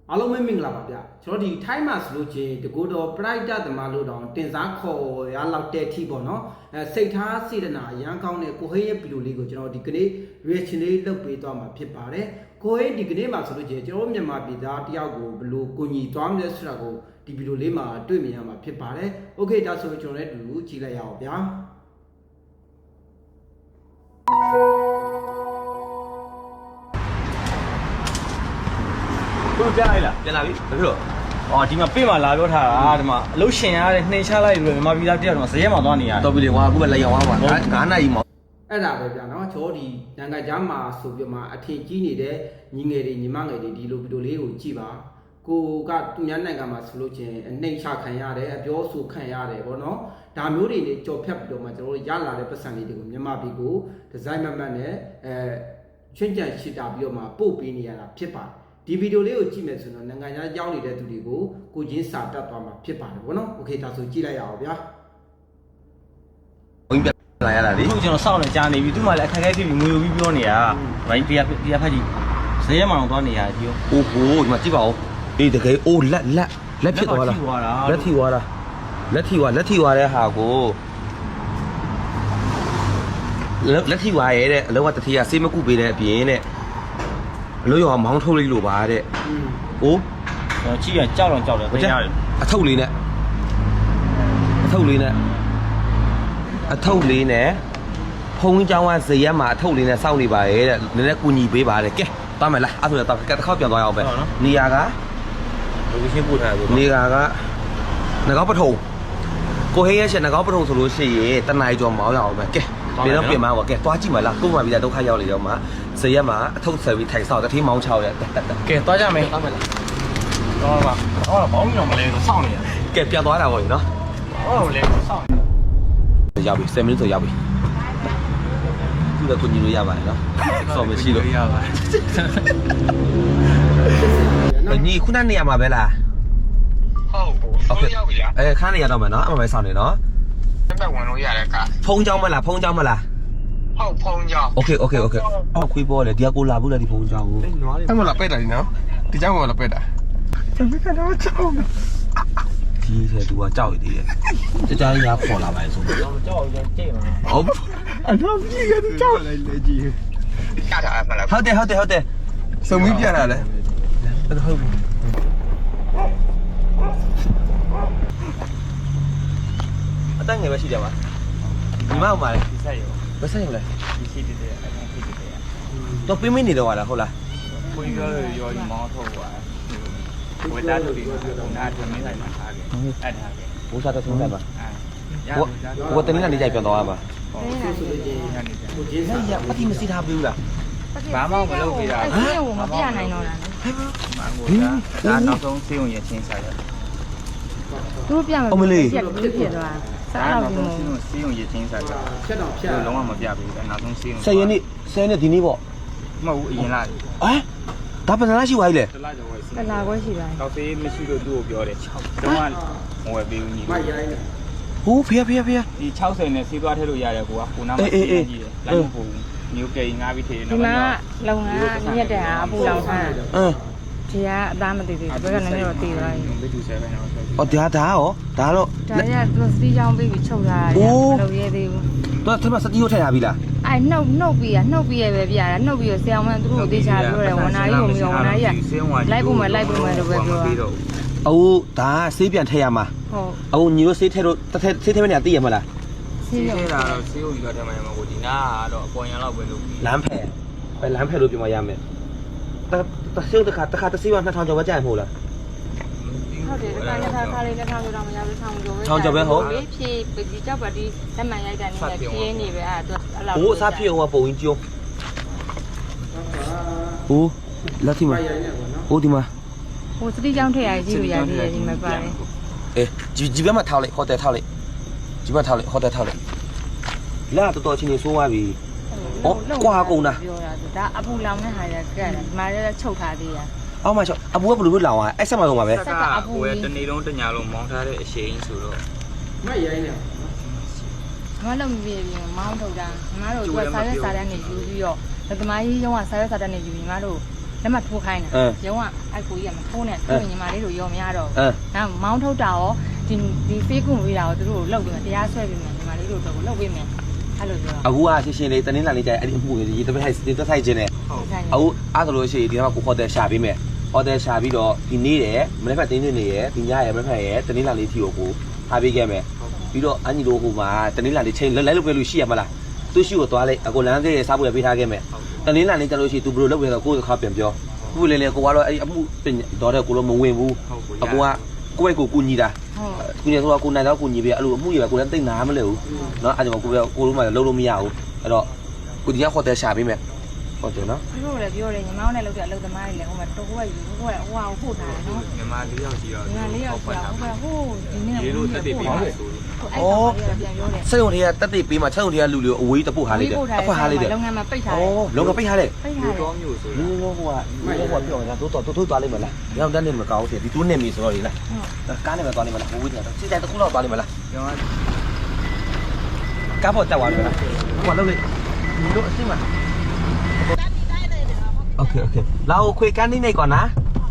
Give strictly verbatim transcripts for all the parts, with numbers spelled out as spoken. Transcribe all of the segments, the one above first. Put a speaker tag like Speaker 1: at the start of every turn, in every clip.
Speaker 1: အားလုံးပဲမင်္ဂလာပါဗျကျွန်တော်ဒီထိုင်းမှာဆိုလို့ချင်းတကူတော်ပရိုက်တာသမားလို့တောင်တင်စားခေါ်ရလောက်တဲ့အထိပေါ့နော်အဲစိတ်ထားစေတနာအရန်ကောင်းတဲ့ကိုဟိရဲ့ဗီဒီယိုလေးကိုကျွန်တော်ဒီကနေ့ reaction လေးလုပ်ပေးသွားမှာဖြစ်ပါတယ်ကိုဟိဒီကနေ့မှာဆိုလို့ချင်းကျွန်တော်မြန်မာပြည်သားတယောက်ကိုဘယ်လိုကိုညီသွားမလဲဆိုတာကိုဒီဗီဒီယိုလေးမှာတွေ့မြင်ရမှာဖြစ်ပါတယ်โอเคဒါဆိုရင်ကျွန်တော်လည်းအတူတူကြည့်လိုက်ရအောင်ဗျာ
Speaker 2: ကိုကြားလိုက်လားပြန်လာပြီဘာဖြစ်လို့အော်ဒီမှာပြေးမှာလာပြောထားတာဒီမှာအလုပ်ရှင်ရတဲ့နှိမ်ချလိုက်လို့မြန်မာပြည်သားတယောက်တော့ဇရက်မှာသွားနေရတယ်
Speaker 3: တော်ပြီလေကွာအခုပဲလက်ရောက်သွားပါငါးနာရီမှာ
Speaker 1: အဲ့ဒါပဲဗျာနော်ကျွန်တော်ဒီနိုင်ငံခြားမှာဆိုပြမှာအထင်ကြီးနေတဲ့ညီငယ်တွေညီမငယ်တွေဒီလိုဗီဒီယိုလေးကိုကြည့်ပါကိုကသူများနိုင်ငံမှာဆိုလို့ချင်းအနှိမ်ချခံရတယ်အပြောဆိုခံရတယ်ဗောနော်ဒါမျိုးတွေနဲ့ကြော်ဖြတ်ပြီးတော့မှကျွန်တော်တို့ရလာတဲ့ပတ်စံလေးတွေကိုမြန်မာပြည်ကိုဒီဇိုင်းမမတ်နဲ့အဲချွင်းကြံရှစ်တာပြီးတော့မှပို့ပေးနေရတာဖြစ်ပါတယ်ဒီဗီဒီယိုလေးကိုကြည့်မယ်ဆိုတော့နိုင်ငံခြားရောက်နေတဲ့သူတွေကိုကိုချင်းစာတတ်သွားမှာဖြစ်ပါတယ်ဗောနော်โอเคဒါဆိုကြည့်လိုက်ရအောင်ဗျာ
Speaker 3: ဘုန်းကြီးပြန်လာရတာလေ
Speaker 2: အခုကျွန်တော်စောင့်နေကြာနေပြီသူမှလည်းအခက်အခဲဖြစ်ပြီးငွေယူပြီးပြောနေတာဗိုင်းတရားတရားဖက်ကြီးဇရက်မှာတော့သွားနေရတယ်ဒီရော
Speaker 3: အိုးဟိုဒီမှာကြည့်ပါဦးအေးတကယ်အိုးလက်လက်လက်ဖြစ်သွားတာလက်ထိသွားတာလက်ထိသွားလက်ထိသွားတဲ့ဟာကိုလက်ထိသွားရဲတဲ့အလောကတတိယဆေးမကုပေးတဲ့အပြင်တဲ့အလို့ရောမောင်းထုတ်လိုက်လို့ပါတဲ့ဟိုး
Speaker 2: ကျွန်တော်ကြည့်ရကြောက်တော့ကြောက်တယ်သိရတယ်
Speaker 3: အထုပ်လေးနဲ့အထုပ်လေးနဲ့အထုပ်လေးနဲ့ဖုံးเจ้าကဇရက်မှာအထုပ်လေးနဲ့စောင့်နေပါရဲ့တဲ့နည်းနည်းကူညီပေးပါတဲ့ကဲသွားမယ်လားအဲ့ဆိုတော့တစ်ခေါက်ပြန်သွားရအောင်ပဲနေရာက
Speaker 2: လူချင်းပို့ထားတယ်
Speaker 3: နေရာကငကောက်ပထုံကိုဟေးရဲ့ရှင်ငကောက်ပထုံဆိုလို့ရှိရင်တနင်္လာကျော်မောင်းရအောင်ပဲကဲပြန်တော့ပြင်မအောင်ကဲသွားကြည့်မလားကို့မှာပြီးတာဒုက္ခရောက်လေရောမှာဇရက်မှာအထုပ်ဆယ်ပြီးထိုင်ဆောက်တတိမောင်းချောက်ရဲ့တက်တက်က
Speaker 2: ဲသွားကြမယ်သွားမယ်လားတော့ပါတော့ဘောင်းညောင်မလဲဆိုစောင့်နေရ
Speaker 3: ကဲပြန်သွားတာပေါ့နော်
Speaker 2: ဟောလေစောင့်
Speaker 3: ရောက်ပြီဆယ်မိနစ်ဆိုရောက်ပြီသူကကိုညီလို့ရပါတယ်နော်ဆော်မရှိလို့
Speaker 2: ရပါတယ်
Speaker 3: ညီခုနနေရာမှာပဲလား
Speaker 4: ဟုတ်ဟုတ်ရောက်ပြီလား
Speaker 3: အဲခန်းနေရတော့မယ်နော်အမှန်ပဲဆောင်းနေနော်
Speaker 4: တက်တက်ဝင်လို့ရတယ်က
Speaker 3: ဖုံးเจ้าမလားဖုံးเจ้าမလား
Speaker 4: ဟုတ်ဖုန်းကြောင်း
Speaker 3: โอเคโอเคโอเคအော်ခွေးပေါ်လေဒီကကိုလာဘူးလေဒီဖုံးเจ้าကို
Speaker 4: အဲ့မလားပက်တာဒီနော်ဒီကြောင်းကလည်းပက်တာတမီးကတော့ကြောင်း
Speaker 3: ဒီထဲသူကကြောက်ရည်တည်းကြကြရခေါ်လာပါလေဆို
Speaker 2: တော့ကြောက်ရင်ကြိတ်မှာ
Speaker 3: ဟုတ်
Speaker 4: အတော့ကြီးကကြောင်းလိုက်လေကြီးရတာမလား
Speaker 3: ဟုတ်တယ်ဟုတ်တယ်ဟုတ်တယ်
Speaker 4: စုံပြီးပြတာလေ
Speaker 3: ဟုတ်ပြီအတန်းငယ်ပဲရှိတယ်ပါဒီမောက်ပါလေ
Speaker 2: ဒီဆက်ရော
Speaker 3: ဘယ်ဆက်ရလဲ
Speaker 2: ဒီရှိတဲ့အဲ့ဒါဖြစ်တဲ့
Speaker 3: တော့ပြင်းမနေတော့လားဟုတ်လား
Speaker 2: ကိုကြီးရောရောမောင်းထုတ်သွားဝေသားတို့ဒီနားထွန်းနေတိုင်းမှာထားခဲ့အဲ့ဒါခဲ့
Speaker 3: ဘိုးစားတော့သုံးတယ်ပါ
Speaker 2: အဲရ
Speaker 3: ဟိုဟိုတနေ့ကနေကြိုက်ပြန်သွားပါ
Speaker 1: ဆိုဆိုလို့ချင်းကိုချင်းစာ
Speaker 3: ရပတိမစီထားဘူးလား
Speaker 2: ဘာမှမလုပ်ပြရ
Speaker 5: အဲ့ဒီကိုမပြနိုင်တော့တာ
Speaker 2: မန်ကိုဒါနောက်ဆုံးစေးုံရချင်းစားရ
Speaker 5: သူတို့ပြမယ်ပြဖြစ်ဖြစ်သွားစား
Speaker 2: ဒါ
Speaker 5: တော့
Speaker 2: နောက်
Speaker 5: ဒီ
Speaker 2: ဆုံး
Speaker 5: မို့
Speaker 2: စေးုံရချင်းစားရ
Speaker 1: ဖြတ်တော့ဖြတ်
Speaker 2: လုံးဝမပြဘူးဒါနောက်ဆုံးစေးုံ
Speaker 3: ဆယ်ရက်နေ့ဆယ်ရက်ဒီနေ့ပေါ့
Speaker 2: မဟုတ်ဘူးအရင်လား
Speaker 3: ဟမ်ဒါပစနာရှိသွားပြီလေ
Speaker 2: တလားကျော်ဝယ်စီ
Speaker 5: တလာခွဲရှိပါ
Speaker 2: တော့စေးမရှိလို့သူ့ကိုပြောတယ်တော့မဝယ်ပေးဘူးညီ
Speaker 1: မရိုင်းနေ
Speaker 3: ဟိုးဖေးဖေးဖေး
Speaker 2: ဒီ၆၀နဲ့စီးသွားထည့်လို့ရတယ်ကွာကိုနားမှာစီးနေကြည့်တယ်လိုက်မပို့ဘူးမျိုးကိန်းငါးပြီးထည့်နေ
Speaker 5: ဒီမှာလုံငါညက်တဲ့ဟာအပူလောင်ထား
Speaker 3: အင်း
Speaker 5: ဒီကအသားမတည်သေးဘူးဘက်ကနည်းနည်းတော့တည်သွားပြီ
Speaker 2: ဘယ်သူဆယ်ပဲနော်ဆို
Speaker 3: အော်ဒါဒါရောဒါတော့
Speaker 5: ဒါရသူစီးချောင်းပြီးပြီးချုပ်ထားတယ်မလုပ်ရဲသေးဘူး
Speaker 3: တော့သူကစတီးကိုထည့်ရပြီလား
Speaker 5: အဲနှုတ်နှုတ်ပြီးရနှုတ်ပြီးရပဲပြတာနှုတ်ပြီးရဆရာမသူတို့ကိုတေချာပြောတယ်ဝန်နာကြီးကိုမပြောဝန်နာကြီးကလိုက်ဖို့မလိုက်ဖို့မလို့ပဲပြောတာ
Speaker 3: အိုးဒါဆေးပြန်ထည့်ရမှာ
Speaker 5: ဟုတ်
Speaker 3: အိုးညီတို့ဆေးထည့်လို့တစ်ထည့်ဆေးထည့်မနေသိရမလား
Speaker 5: စီး
Speaker 2: စီး
Speaker 5: ရော
Speaker 2: နေတာတော့စီးဦးပြီးတော့တမန်မှာကိုဒီနာကတော့အပေါ်ရန်လောက်ပဲလုပ်ပြီး
Speaker 3: လမ်းဖယ်ပဲလမ်းဖယ်လို့ပြောမှရမယ်တတဆေးတစ်ခါတစ်ခါတစ်ဆေးပါနှစ်ထောင်ကျော်ပဲကြာရမို့လား
Speaker 5: ဟုတ်တယ်တခါလက်ထားခါလေးလက်ထားလို့တော့မရဘူးထောင်ကျော်ပဲဖြည့်ဒီကြောက်ပါဒီလက်မှန်ရိုက်တဲ့နေနဲ့ဖြည့်နေပဲအဲ့ဒါအဲ့လောက်
Speaker 3: ဟိုးအစားဖြစ်အောင်ပုံရင်ကျုံဟိုးလက်ထိ
Speaker 1: မ
Speaker 3: မှာ
Speaker 1: ရိုင်းနေပေါ့နော်
Speaker 3: ဟိုးဒီမှာ
Speaker 5: ဟိုစတိကြောင်းထည့်ရကြည့်လို့ရသေးတယ်ဒီမှာပါတယ်
Speaker 3: အေးဒီဒီဘက်မှာထားလိုက်ဟိုတယ်ထားလိုက်ဒီဘက်ထားလိုက်ဟိုတယ်ထားလိုက်လာတော်တော်ချင်းနေဆိုးသွားပြီကွာကုန်တာ
Speaker 5: ပြောတာဒါအပူလောင်တဲ့ဟာရကက်တယ်ဒီမှာလည်းချုပ်ထားသေးရ
Speaker 3: အောက်မှာချောအပူကဘယ်လိုလုပ်လောင်อ่ะအဲ့ဆက်မှာတော့မှာပဲ
Speaker 2: ဆက်ကကိုယ်တနေ့လုံးတညာလုံးမောင်းထားတဲ့အရှိန်ဆိုတော့
Speaker 1: မရိုင်းနေ
Speaker 5: မလုံးပြည့်ပြီးမောင်းထုတ်တာမမတို့ကစားရဲစားတဲ့နေယူပြီးတော့သမားကြီးရောကစားရဲစားတဲ့နေယူပြီးမတို့လက်မှတ်ထိုးခိုင်းတာရုံးကအဲ့ကိုကြီးကမထိုးနဲ့သူ့ညီမလေးတို့ရောမရတော့နောက်မောင်းထုတ်တာရောဒီဒီဖေးကွန်ဝေးတာရောသူတို့လောက်ပြီးမှတရားဆွဲပြီးမှညီမလေးတို့တော့ကိုလောက်ပြီးမှအဲ့လိုပြော
Speaker 3: အခုကရှင်းရှင်းလေးတနင်္လာနေ့ကျရင်အဲ့ဒီအမှုကြီးတပတ်ထိုက်တပတ်ထိုက်ခြင်းနဲ့အခုအဲ့ဒါလို့ရှိရင်ဒီမှာကိုခေါ်တဲ့ရှာပေးမယ်ဟော်တယ်ရှာပြီးတော့ဒီနေ့ရယ်မနေ့ကတင်းနေနေရယ်ဒီညရယ်မနေ့ကရယ်တနင်္လာနေ့ထီကိုကိုထားပေးခဲ့မယ်ပြီးတော့အန်ကြီးတို့ဟိုမှာတနင်္လာနေ့ချိန်လိုက်လို့ပြလို့ရှိရမလားသူရှိကိုသွားလိုက်အကိုလမ်းသေးရစားဖို့ရပေးထားခဲ့မယ်တနင်္လာနေ့ကျလို့ရှိရင်သူဘယ်လိုလုပ်လဲဆိုတော့ကိုယ်တစ်ခါပြန်ပြောခုလေလေကိုကတော့အဲ့ဒီအမှုတော့တဲ့ကိုလိုမဝင်ဘူးအကိုကကိုယ့်ဘက်ကိုကူညီတာကူညီဆိုတော့ကိုနိုင်တော့ကူညီပြီးအဲ့လိုအမှုရယ်ကိုလည်းတိတ်နာမလဲဘူးเนาะအဲ့ဒါကိုကိုကိုလိုမှလုံးလို့မရဘူးအဲ့တော့ကိုဒီကဟိုတယ်ရှာပေးမယ်ဟုတ်တယ်နော်
Speaker 5: သူတို့လည်းပြောတယ်ညီမောင်းနဲ့လောက်တဲ့အလုပ်သမားတွေလည်းဟိုမှာတော့ကိုကယူကိုကဟိုဟာကိုပို့ထားတယ်နော်
Speaker 2: ညီမလေးယောက်ရှိတော့
Speaker 5: ညီမလေးယောက်ရှိတော့ဟိုကဟိုဒီနေ့
Speaker 2: ရေတို့တက်တည်ပေးပါဆိုလို့
Speaker 5: အော်ပြန်ပြောတယ်
Speaker 3: စက်ုံတွေကတက်တည်ပေးမှာချက်ုံတွေကလူတွေအဝေးတပုတ်ဟာလိုက်တယ်အဖွက်ဟာလိုက်တယ်
Speaker 5: လုပ်ငန်းမှာပိတ်ထားတယ်
Speaker 3: အော်လုပ်ငန်းပိတ်ထားတယ်
Speaker 5: ပိတ်ထားတယ်
Speaker 2: တော့မျိုးဆို
Speaker 3: လူလုံးဟိုကလူဟိုကပြောတာတို့တော့တို့သွားလိမ့်မလားညောင်တန်းနေမကောင်းဘူးဒီတူးနေပြီဆိုတော့လေလားကားနေမှာသွားလိမ့်မလားဝေးတယ်စစ်တိုင်းတစ်ခုလောက်သွားလိမ့်မလား
Speaker 2: ကျွန်တော်
Speaker 3: ကားပေါ်တက်သွားပြီလားဟိုကလုပ်လိုက်ဒီလိုအစ်မโอเคโอเคเราคุยกันนิดหน่อยก่อนนะ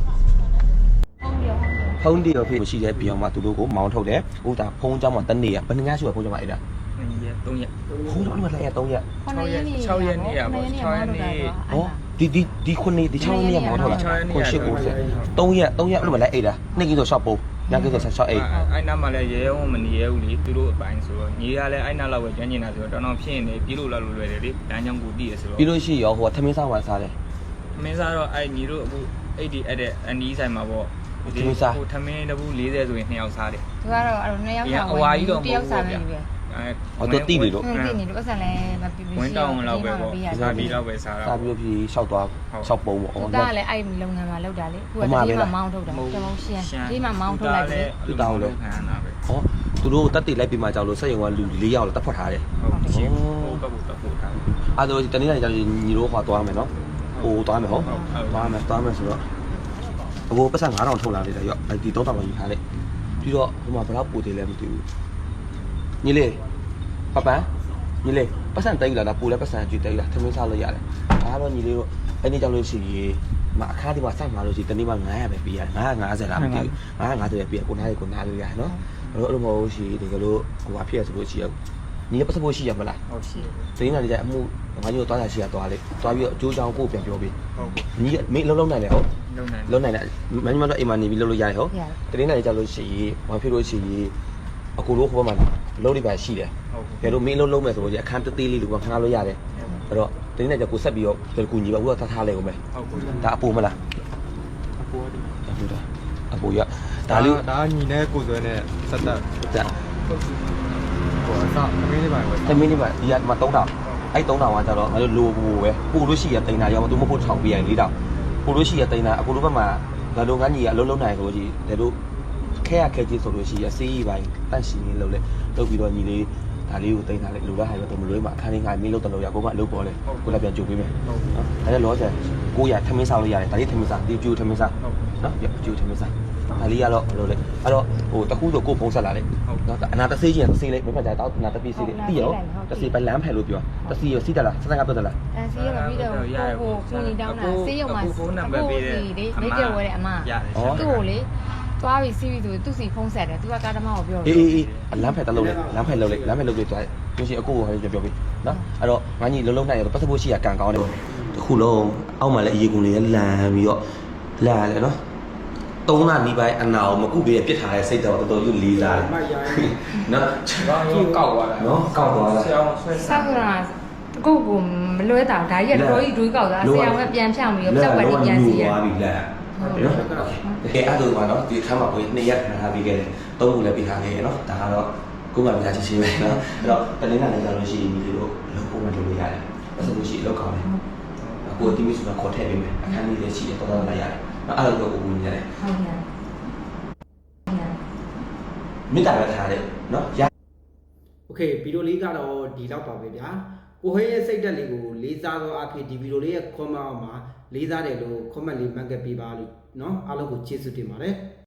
Speaker 3: ဖုန်းတီရောဖြစ်ရှိတဲ့ပြောင်းမှာသူတို့ကိုမောင်းထုတ်တယ်ဟိုဒါဖုန်းเจ้าမှာတနေ့ကဘယ်နှညရှိရဖုန်းเจ้าမှာအဲ့ဒါ
Speaker 2: သုံးရက်
Speaker 3: ဖုန်းเจ้าမှာလည်းသုံးရက်
Speaker 5: 6ရက်
Speaker 2: 6ရက်နေ့อ่ะပေါ့6ရက်နေ့
Speaker 3: ဟောဒီဒီဒီခုနှစ်ဒီ6ရက်နေ့မောင်းထုတ်တာခုရှစ်ကိုဆက်သုံးရက်သုံးရက်အဲ့လိုမလဲအဲ့ဒါနေ့ကင်းဆိုရှော့ပုံညကင်းဆိုရှော့အဲ့
Speaker 2: အဲ့နားမှာလည်းရဲရဲမနေရဲဘူးလေသူတို့အပိုင်းဆိုတော့ညီကလည်းအဲ့နားလောက်ပဲကျွမ်းကျင်တာဆိုတော့တော်တော်ဖြစ်နေပြေးလို့လောက်လို့လွယ်တယ်လေလမ်းကြောင်းကိုတည်ရဆိုတော့
Speaker 3: ပြီးလို့ရှိရောဟိုထမင်းစားဝါစားတယ်
Speaker 2: မင်းစားတော့အဲ့ညီတို့အခုအဲ့ဒီအဲ့တဲ့အနီးဆိုင်မှာပေါ့
Speaker 3: ဒီမစား
Speaker 2: ဟိုထမင်းတပူး၄၀ဆိုရင်နှစ်ယောက်စားတယ်
Speaker 5: သူကတော့အဲ့လိုနှစ်ယောက်စားဝင်တယောက်စားမယ်ပဲ
Speaker 3: အဲဟောတော့တိနေလို့
Speaker 5: တိနေလို့ပတ်စံလည်းမပြပြ
Speaker 2: ဝင်းတောင်းလောက်ပဲပေါ့စားပြီးတော့ပဲစားတာ
Speaker 3: စားပြီးတော့ပြီးရှောက်သွားရှောက်ပုံပေါ့
Speaker 5: အော်ဒါလည်းအဲ့လုပ်ငန်းမှာလောက်တာလေခုကဒီမှာမောင်းထုတ်တာတမောင်းရှင်းဒီမှာမောင်းထုတ်လိုက်တယ်
Speaker 3: သူတောင်းလို့
Speaker 2: ခံရတာပဲ
Speaker 3: ဟောသူတို့တက်တိလိုက်ပြီးမှကြောက်လို့စက်ရုံကလူ၄ယောက်လောက်တက်ဖွက်ထားတယ်
Speaker 2: ဟုတ်ရှင်းဟိုကဘူးတက်ဖို့ထား
Speaker 3: အဲ့တော့တနေ့တိုင်းကြောက်ညီတို့ဟောသွားမယ်နော်ဟိုသွားမယ်ဟုတ်သွားမယ်သွားမယ်ဆိုတော့အကိုပတ်စံ၅ထောင်ထုတ်လာလိုက်တယ်ရော့ဒီ၃ထောင်ကိုယူထားလိုက်ပြီးတော့ဟိုမှာဘယ်တော့ပို့သေးလဲမသိဘူးညီလေးပပန်းညီလေးပတ်စံတိတ်လာတာပို့လဲပတ်စံကြည့်တိတ်လာသမင်းစားလို့ရတယ်ဒါတော့ညီလေးတို့အဲ့ဒီကြောင့်လို့ရှိရင်မအခါဒီမှာစိုက်မှာလို့ရှိရင်တနေ့မှ900ပဲပေးရတယ်950လားမသိဘူး950ပဲပေးရကိုနားလေးကိုနားလို့ရတယ်နော်အဲ့လိုမဟုတ်ရှိဒီကလို့ဟိုဘာဖြစ်ရဆိုလို့ရှိရညီပတ်စံဖို့ရှိရမလား
Speaker 2: ဟုတ်ရှိ
Speaker 3: တင်းလာနေတဲ့အမှုငါညို့သွားတာရှိရသွားလိုက်သွားပြီးတော့အကျိုးချောင်းကိုပြန်ပြောပေးဟုတ်ညီမိလုံးလုံးနိုင်လေဟုတ်လုံးနိုင်တယ်မင်းမတို့အိမ်မှာနေပြီးလုံးလို့ရတယ်ဟုတ်တင်းနိုင်ကြလို့ရှိရင်ဘာဖြစ်လို့ရှိရင်အကူတို့ဟိုဘက်မှာလုံးလေးပါရှိတယ်ဟုတ်ကဲလို့မင်းလုံးလုံးမယ်ဆိုလို့အခန်းတသေးလေးလိုကခဏလို့ရတယ်အဲ့တော့တင်းနိုင်ကြကိုဆက်ပြီးတော့ဒီကူညီပါဦးတော့ထားထားလိုက်ဦးမယ်ဟုတ်ကဲ့ဒါအပူမလား
Speaker 2: အပူ
Speaker 3: အပူဒါအပူရဒါလေး
Speaker 4: ဒါညီနဲ့ကိုစွဲနဲ့ဆက်တက်
Speaker 3: ဒါ
Speaker 4: ဟိုအစသမင်းလေးပါပဲ
Speaker 3: သမင်းလေးပါဒီကမှ၃ထောင်အဲ့၃ထောင်ကကြတော့ငါတို့လိုပူပဲပူလို့ရှိရတိန်တာရောမသူမဖို့ထောင်ပြရင်၄ထောင်ပူလို့ရှိရတိန်တာအခုတို့ဘက်မှာငါတို့ငန်းကြီးကအလုံးလုံးနိုင်ဆိုကြီးဒါတို့ခဲရခဲကြီးဆိုလို့ရှိရစေးကြီးပိုင်းတန့်ရှင်လေးလုပ်လဲလုပ်ပြီးတော့ညီလေးဒါလေးကိုတိန်တာလေလိုလားဟာရတော့မလွေးမှာအခန်းလေးငါမင်းလုပ်တယ်လို့ရကိုကအလုပ်ပေါ်လဲကိုလည်းပြန်ကြိုပေးမယ်နော်ဒါလည်းလောဆယ်ကိုရထမင်းစားလို့ရတယ်ဒါလေးထမင်းစားဒီကျူထမင်းစားနော်ကျူထမင်းစားဒါလေးကတော့ဘယ်လိုလဲအဲ့တော့ဟိုတခုဆိုကိုပုံဆက်လာလေနော်အနာတဆေးချင်းတဆေးလေးမဖက်ကြတော့အနာတပိဆေးလေးပြီးရောတဆေးပဲလမ်းဖယ်လို့ပြောတဆေးရောစီးတယ်လားစက်စကပြတ်တယ်လား
Speaker 5: အဲဆေးရောပြီးတော့ဟိုကိုညီတောင်းတာဆေးရောမှာ
Speaker 2: ဖုန်းနံပါတ်ပေးတယ်
Speaker 5: လေမိကဝဲတဲ့အမသူ့ကိုလေသွားပြီးစီးပြီးဆိုသူ့စီဖုန်းဆက်တယ်သူကကားသမားကိုပြော
Speaker 3: အေးအေးလမ်းဖယ်တလုံးလေလမ်းဖယ်လုံးလေလမ်းဖယ်လုံးလေသွားလို့ရှိရင်အကိုကိုဟိုပြောပြီးနော်အဲ့တော့ငါကြီးလုံးလုံးနိုင်ရတော့ပတ်စဖို့ရှိရကန်ကောင်းတယ်တခုလုံးအောက်မှာလည်းအရေးကုန်လေးလမ်းပြီးတော့လာလေနော်သုံးလနီးပိုင်းအနာကိုမကုပေးရပြစ်ထားတဲ့စိတ်တော်တော်တော်ကြီးလေးစားတယ်နော်
Speaker 2: တော့ကောက်သွားတာ
Speaker 3: နော်ကောက်သွားတာ
Speaker 2: ဆရာအောင်ဆွဲ
Speaker 5: ဆောက်ကကိုကိုမလွဲတာဒါကြီးကတော့ကြီးဒွေးကောက်တာဆရာကပြန်ဖြောင်းပြီးတော့ကြောက်ဝက်ကြီးပြန်စီရ
Speaker 3: သွားပြီလားနော်ကဲအဲ့ဒါမှတော့ဒီခါမှာကိုနှစ်ရက်ထားပြီးခဲ့တယ်သုံးခုလည်းပြထားခဲ့ရနော်ဒါကတော့ကိုယ်မှမစားချင်ချင်းပဲနော်အဲ့တော့တနေ့နဲ့လည်းကြလို့ရှိရင်ဒီလိုလုံးပုံမှန်လုပ်လို့ရတယ်အဲ့ဆိုလို့ရှိရင်လောက်ကောင်းတယ်ကိုတီးမီဆိုတာခေါ်ထည့်ပေးမယ်အခန်းလေးလည်းရှိတယ်တော်တော်လည်းရတယ်အဲ့လိုတော့ကိုကိုညီရတယ်ဟုတ်ကဲ့မိတာပဲထားတယ်နော်ရ
Speaker 1: โอเคဗီဒီယိုလေးကတော့ဒီလောက်ပါပဲဗျာကိုဟဲရဲ့စိတ်ဓာတ်လေးကိုလေးစားသောအဖြစ်ဒီဗီဒီယိုလေးရဲ့ comment အောက်မှာလေးစားတယ်လို့ comment လေးမှတ်ခဲ့ပေးပါလို့เนาะအားလုံးကိုကျေးဇူးတင်ပါတယ်